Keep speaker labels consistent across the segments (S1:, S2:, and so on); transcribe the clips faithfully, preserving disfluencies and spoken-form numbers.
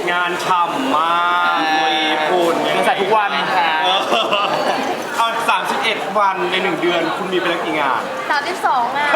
S1: งานฉ่ำมากตัวญี่ปุ่น
S2: ยังใส่ทุกวัน
S1: เอาสามสิบเอ็ดวันในหนึ่งเดือนคุณมีไปแล้วกี่งาน
S3: สามสิบสองอ่ะ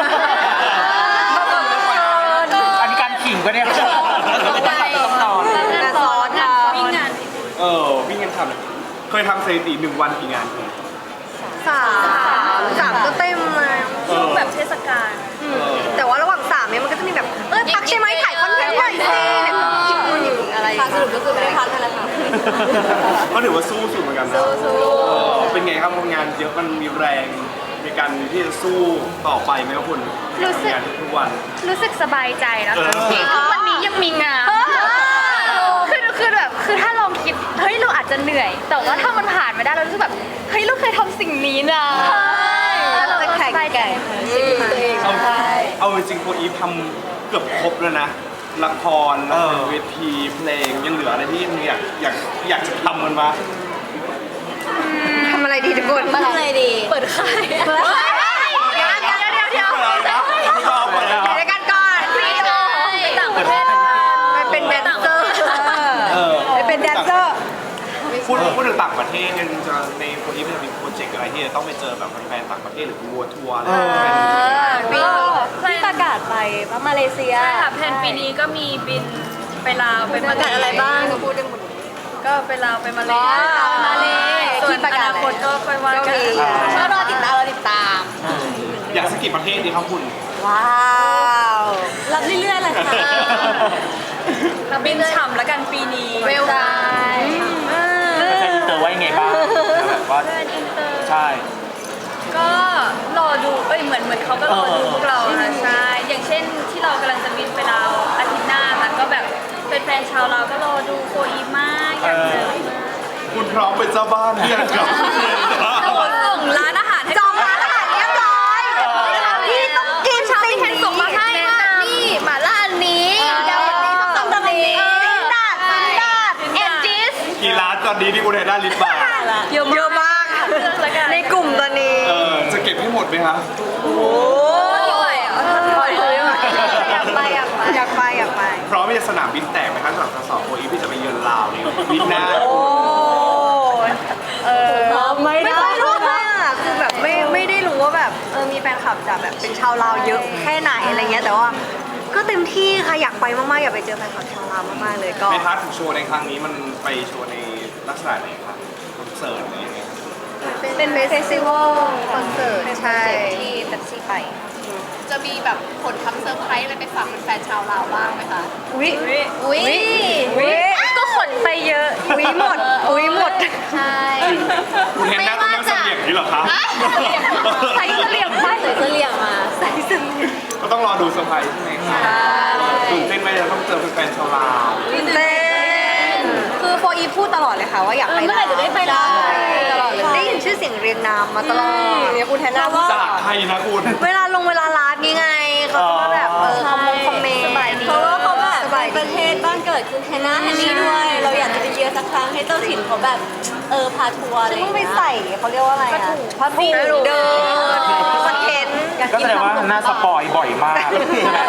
S2: อันนี้การขิงปะเนี่ย
S3: ไปงานซ้อนงานวิ่งงาน
S1: เออวิ่งกันทำเลยเคยทำสถิติหนึ่งวันกี่งานคุณ
S4: สามสามก็เต็มเลย
S1: เออ
S3: แบบเทศกาล
S4: แต่ว่าระหว่างสามเนี่ยมันก็จะมีแบบเออพักใช่ไหมถ่ายคอนเทนต์หน่อยสิเนี่ยหยิบมือหยิบอะไรสรุปก็คือไม่ได้พักนั่นแหละค่ะ
S1: ก็ถือว่าสู้สุดเหมือนกันนะ
S4: สู้
S1: เออเป็นไงครับทำงานเยอะมันมีแรงในการที่จะสู้ต่อไปไหมครับคุณ
S3: รู้สึก
S1: ทำงานทุกวัน
S3: รู้สึกสบายใจแล้วค่ะ
S1: เออ
S3: ที่ทุกวันนี้ยังมีงานคือคือแบบคือถ้าลองคิดเฮ้ยเราอาจจะเหนื่อย แต่ว่าถ้ามันผ่านมาได้เรารู้สึกแบบเฮ้ยเราเคยทำสิ่งนี้นะแล้วเรา
S4: จะ
S3: ก็
S4: แข่
S3: ส
S4: ง
S3: บายใจ
S4: แก่ตัวเอง
S1: เอาเอาจริงๆโคอีฟทำเกือบครบแล้วนะละครละครเวทีเพลงยังเหลืออะไรที่อยากอยากอยากจะทำมันมา
S4: ทำอะไรดีทุกคนทำอะไรดี
S3: เปิดค่าย
S4: เปิดค่ายเดี๋ยวเดี๋ยวเดี๋ยวเดี๋ยว
S1: อะไรนะไม่ชอบเลยนะ
S4: เดี๋ยวกันก่อน
S3: ไปต่างประเทศ
S4: ไปเป็นแดนเซอร์
S1: เออ
S4: ไปเป็นแดนเซอร์
S1: พูดพูดถึงต่างประเทศเนี่ยจะในโคอีฟจะมีโปรเจกต์อะไรที่จะต้องไปเจอแบบแฟนๆต่างประเทศหรือวัวทัวร์อะไรอย่างเงี้ย
S3: ก็
S4: ที่ประกาศไปว่ามาเลเซีย
S3: ใช่ค่ะแผนปีนี้ก็มีบินไปลาวไป
S4: ประกาศอะไรบ้างพูดได้หมด
S3: ก็ไปลาวไปมาเล
S4: อ๋อมาเล
S3: ส่วน
S4: ที่ประาศ
S3: อกนาคตก็ค่อยว่ากัน
S4: ก็รอติดตามรอติดตาม
S1: อยากสกกิดประเทศดีครับคุณ
S4: ว้าวรับเรื่อยๆเลยค่ะ
S3: เราบินฉ่ำแล้วกันปีนี้
S4: เร็วได้
S2: จะอินเตอร์ไว้ยังไงบ้างแบบว่า
S3: เพื่อนอินเตอร์
S2: ใช่
S3: ก็รอดูเอ้ยเหมือนเหมือนเขาก็รอดูพวกเราค่ะใช่อย่างเช่นที่เรากำลังจะบินไปลาวอาทิตย์หน้าค่ะก็แบบแฟนๆชาวเราวก็รอดูโคอีมากอยากเจอมาก
S1: คุณพร้อมเป็นเจ้าบ้านเนี่ยครับ
S3: เราส่งร้านอาหารให้
S4: จองร้านอาหารเรียบร้อยพี่ต้องกินสิ่ง
S3: แทน
S4: นี้
S3: ส่งมาให้ว่านี่หม่าล่าอันนี้
S4: เดี๋ยววันนี้ต้องทำแบบนี้ดาดดาด
S3: เอ็นจิส
S1: กี่ร้านตอนนี้ที่คุณเห็นได้ลิสต์บาร์
S4: เยอะเยอะมาก
S3: เลือกแล้วกัน
S4: ในกลุ่มตอนนี้
S1: เออจะเก็บให้หมดไหมครับ
S4: โอ้
S3: ไม่ไหวอ่ะ
S4: ปล่อยเลยอยากไปอยากไปอยากไปอยากไป
S1: พร้อมที่จะสนามบินแตกไหมครับสำหรับสอบโคอีฟที่จะไปเยือนลาวนี่บินหน้า
S4: โอ้เออไม่ได้รู้เลยอ่ะคือแบบไม่ไม่ได้รู้ว่าแบบเออมีแฟนคลับจากแบบเป็นชาวลาวเยอะแค่ไหนอะไรเงี้ยแต่ว่าก็เต็มที่ค่ะอยากไปมากๆอยากไปเจอแฟนคลับชาวลาวมากๆเลยก็
S1: ในพาร์ทของโชว์ในครั้งนี้มันไปโชว์ในลักษณะไหนครับคอนเสิร์ตอะไรอย่างเงี้ย
S4: เป็นเฟสติวัลคอนเสิร์ตใช่
S3: ที่แท็กซี่ไป
S5: จะมีแบบผลทำเซอร์ไพรส์อะไรไปฝากแฟนๆชาวลาวบ้างไหมคะ
S4: อุ้ย
S3: อุ้ย
S4: อุ้ย
S3: ก็ขนไปเยอะ
S4: อุ้ยหมดอุ้ยหมด
S3: ใช่
S1: คุณเห็นหน้าต้องนั่งเสลียงนี่เหรอครับ
S3: ใส่เสลี่ยงไป
S4: ใส่เสลี่ยงมาใส่เสลี่ยง
S1: ก็ต้องรอดูเซอร์ไพรส์ใช่ไหมครับตื่นเต้นไหมเราต้องเจอแฟนๆชาวลาว
S4: ตื่นเต้นคือโฟอีพูดตลอดเลยค่ะว่าอยากไป
S3: เมื่อไหร่จะได้ไปลาว
S4: ตลอดเลยได้ยินชื่อเสียงเรียงนามมาตลอดเนี่ยคุณแทนนาว่า
S1: จากใครนะคุณ
S4: เวลาลงเวลาไลฟ์นี่ไงเขาจะมาแบบเออคอมมงคอมเมนต์
S6: เพราะว่าเขาแบบ
S4: สบาย
S6: เป็นประเทศบ้านเกิดคุณแฮนนาแฮนนี่ด้วย เราอยากจะไปเยือนสักครั้งให้เจ้าถิ่นเขาแบบเออพาทัวร์อะไร
S4: ฉัน
S6: อย่าง
S4: เพิ่งไป
S6: เงี้ย
S4: ใส่เขาเรียกว่าอะไรอะผ้าถุงเดินคอนเทนต์
S2: ก็แสดงว่าหน้าสปอยบ่อยมากใช่ไหม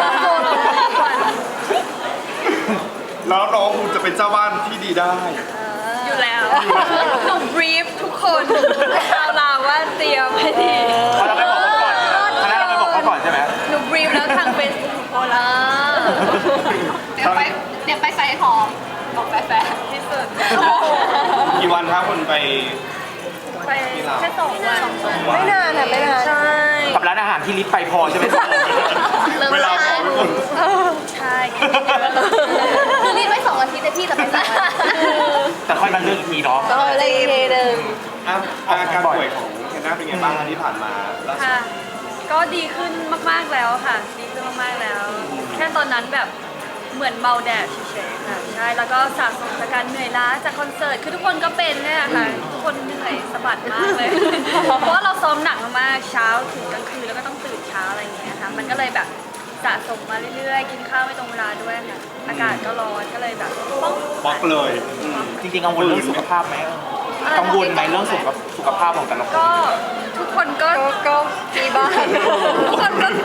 S1: แล้วน้องคุณจะเป็นเจ้าบ้านที่ดีได้
S3: อยู่แล้วหนูบรีฟทุกคนชาวลาวว่าเตรียมให้ดี
S2: เขาเราไปบอกเขาก่อนคณะเราไปบอกเขาก่อนใช่ไหม
S3: หนูบรีฟแล้วทางเฟซบุ๊กทุกคนละ
S5: เดี๋ยวไปเดี๋ยวไปใส่หอมบอกแฟน
S3: ที่สุด
S1: กี่วันครับคุณไป
S3: ไปแค่สองวัน
S4: ไม่นานอะไม่นาน
S3: ใช่
S2: กับร้านอาหารที่ลิฟต์ไปพอใช่ไหม
S1: เวลาของคุณ
S3: ใช่
S5: ๆคือรีบไว้สองอาทิตย์แต่พี่จะไปสองวัน
S2: แต่ค่อยมาเลือกอีกทีเนาะ
S4: ก็เลยเทเดิม
S1: อ่ะอาการป่วยของเคนน่าเป็นไงบ้างที่ผ่านมาล่าสุด
S3: ค่ะ ก็ดีขึ้นมากๆแล้วค่ะ ดีขึ้นมากๆแล้ว แค่ตอนนั้นแบบเหมือนเมาแดดเฉยๆค่ะใช่แล้วก็สะสมจากการเหนื่อยล้าจากคอนเสิร์ตคือทุกคนก็เป็นเนี่ยค่ะทุกคนเหนื่อยสะบัดมากเลย เพราะว่าเราซ้อมหนักมากๆเช้าถึงกลางคืนแล้วก็ต้องตื่นเช้าอะไรอย่างเงี้ยค่ะมันก็เลยแบบสะสมมาเรื่อยๆ กินข้าวไม่ตรงเวลาด้วยค่ะอากาศก็ร้อนก็เลยแบบป้อง
S1: บล็อกเลยอืม
S2: จริงๆกังวลเรื่องสุขภาพไหมกังวลไหมเรื่องสุขภาพสุขภาพของแต่ละคน
S3: ก็ทุกคนก็
S4: ก็มีบ้าง
S3: ทุกคนก็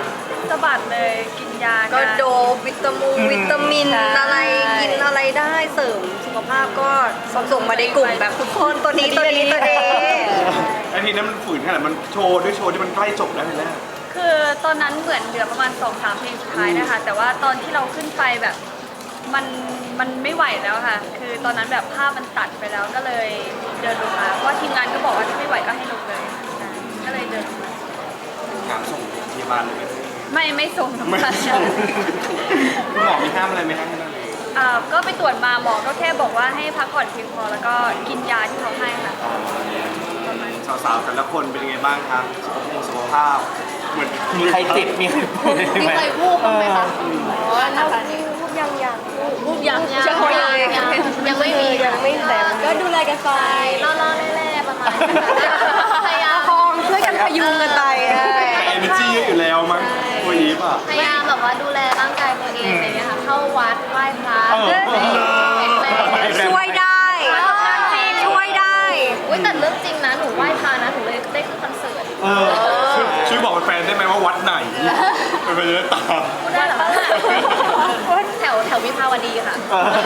S3: สะบัดเลยกินยา
S4: ก็
S3: น
S4: โดบวิตามินวิตามิน
S3: ใช่
S4: อะไรกินอะไรได้เสริมสุขภาพก็ส่งมาในกลุ่มแบบทุกคนตัวนี้ตัวนี้ตัวนี้
S1: ไอ้ทีนั้นมันฝืนขนาดมันโชว์ด้วยโชว์ที่มันใกล้จบแล้วเห็นไหม
S3: คือตอนนั้นเหมือนเหลือประมาณสองสามเพลงสุดท้ายนะคะ แต่ว่าตอนที่เราขึ้นไปแบบมันมันไม่ไหวแล้วค่ะ คือตอนนั้นแบบภาพมันตัดไปแล้วก็เลยเดินลงมาเพราะว่าทีมงานก็บอกว่าถ้าไม่ไหวก็ให้ลงเลยใช่ก็เลยเดินลงมา
S1: งานส่งพยาบาลเลยไหม
S3: ไม่ไม่ส่ง
S1: ไม่
S3: ค่ะ
S1: ส่งคุณหมอมีห้ามอะไรไหมครับที่นั่น
S3: อ่าก็ไปตรวจมาหมอก็แค่บอกว่าให้พักผ่อนเพียงพอแล้วก็กินยาที่เขาให้ค่ะประมาณนี้
S1: สาวๆแต่ละคนเป็นยังไงบ้างครับสุขภาพสุขภาพเหมือน
S2: มีใครเจ็บมีใครป่วย
S5: มี
S2: ไหม
S5: เคยวูบบ้างไหมคะ
S6: อ๋อนะคะพูดยังยัง
S5: วูบยังยัง
S6: ยัง
S5: ยังยังไม่มี
S4: ยังไม่แต่
S6: ก็ดูแลกันไป
S5: ล่อๆแร่ๆประมาณนี้พยายาม
S4: คองช่วยกันพยุงกันไปเออ
S1: แต่เอเนจีเยอะอยู่แล้วมั้งตัวอีฟอ่ะ
S5: พยายามแบบว่าดูแลร่างกายตัวเองอะไรเงี้ยค่ะ เข้าวัดไหว้พระ
S1: เออ
S5: แข็งแรง
S4: ช่วยได้ช่วยได้
S5: อุ้ยแต่เรื่องจริงนะ หนูไหว้พระนะ หนูเลยได้ขึ้นคอนเสิร์ต
S1: เออช่วยช่วยบอกแฟนๆได้ไหมว่าวัดไหนเป็นไปได้ตาม
S5: พูดได้เหรอคะแถวแถววิภาวดีค่ะ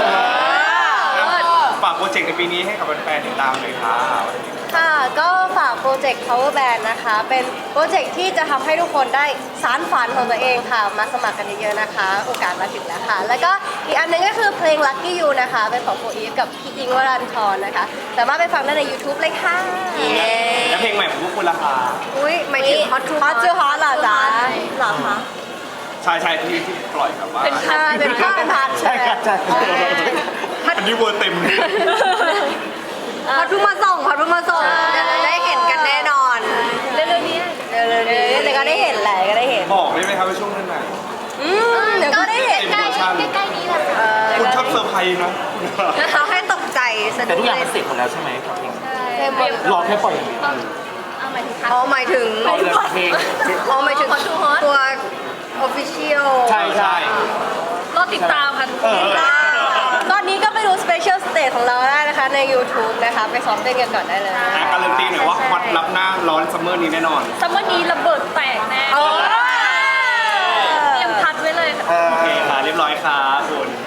S1: ฝากโปรเจกต์ในปีนี้ให้กับแฟนๆติดตามเลยครับ
S6: ค่ะ ก็ฝากโปรเจกต์ Power Band นะคะ เป็นโปรเจกต์ที่จะทำให้ทุกคนได้สานฝันของตัวเองค่ะ มาสมัครกันเยอะๆนะคะ โอกาสมาถึงแล้วค่ะ แล้วก็อีกอันหนึงก็คือเพลง Lucky You นะคะ เป็นของโฟอีฟกับพี่อิงค์วรันทรนะคะ สามารถไปฟังได้ใน YouTube เลยค่ะ
S1: แล้วเพลงใหม่ของพวกคุณล่ะคะ
S4: อุ้ยหมายถึง hot to
S6: ฮอต
S4: hot
S6: จูฮอตเหรอจ๊ะเหรอคะ
S1: ชายชายที่ที่ปล่อยแบบว่า
S3: เป็นพัน
S6: เป็นภาพเป็นพัน
S2: ใช่ครับใช่
S1: อันนี้เวอร์เต็ม
S4: ฮอตเพิ่งมาส่งฮอตเพิ่งมาส่งเดี๋ยวได้เห็นกันแน่นอน
S3: เร็วๆนี้
S4: เร็วๆนี้
S6: เดี๋ยวก็ได้เห็นแหละก็ได้เห็น
S1: บอกได้ไหมครับว่าช่วงนั้นไหน
S6: อืมเดี๋ยวก็ได้เห็น
S5: ใกล้ๆใกล้ๆนี้แหละค่ะ
S4: เออ
S1: คุณชอบเซอร์ไพรส์นะ
S4: เขาให้ตกใจสะ
S2: แต่
S4: ดุ้
S2: ทุ
S4: ง
S2: กอย่าง
S4: เล
S2: มัน
S4: ย
S2: เสร็จหมดแล้วใช่ไหมกับเพลง
S6: เต็มหมด
S2: รอแค่ปล่อยอย่างเดียว
S5: เอาหมายถึงพัก
S4: อ๋อหมายถึง
S2: เอาเลยเพลง
S4: อ๋อหมายถึง
S5: Hot to Hot
S4: ตัว official
S2: ใช่ใช่
S3: รอติดตามค่ะทุกค
S1: เอน อ
S6: ตอนนี้ก็ไปดู Special Stage ของเราได้นะคะใน YouTube นะคะ ไปซ้อมเต้นกันก่อนได้เลย
S1: อ่ะการันตีหน่อยว่าวัดรับหน้าร้อนซัมเมอร์นี้แน่นอน
S3: ซัมเมอร์นี้ระเบิดแตกแน่
S4: เออ
S3: เตรียมพัดไว้เลยค่ะ
S1: โอเคค่ะเรียบร้อยครับคุณ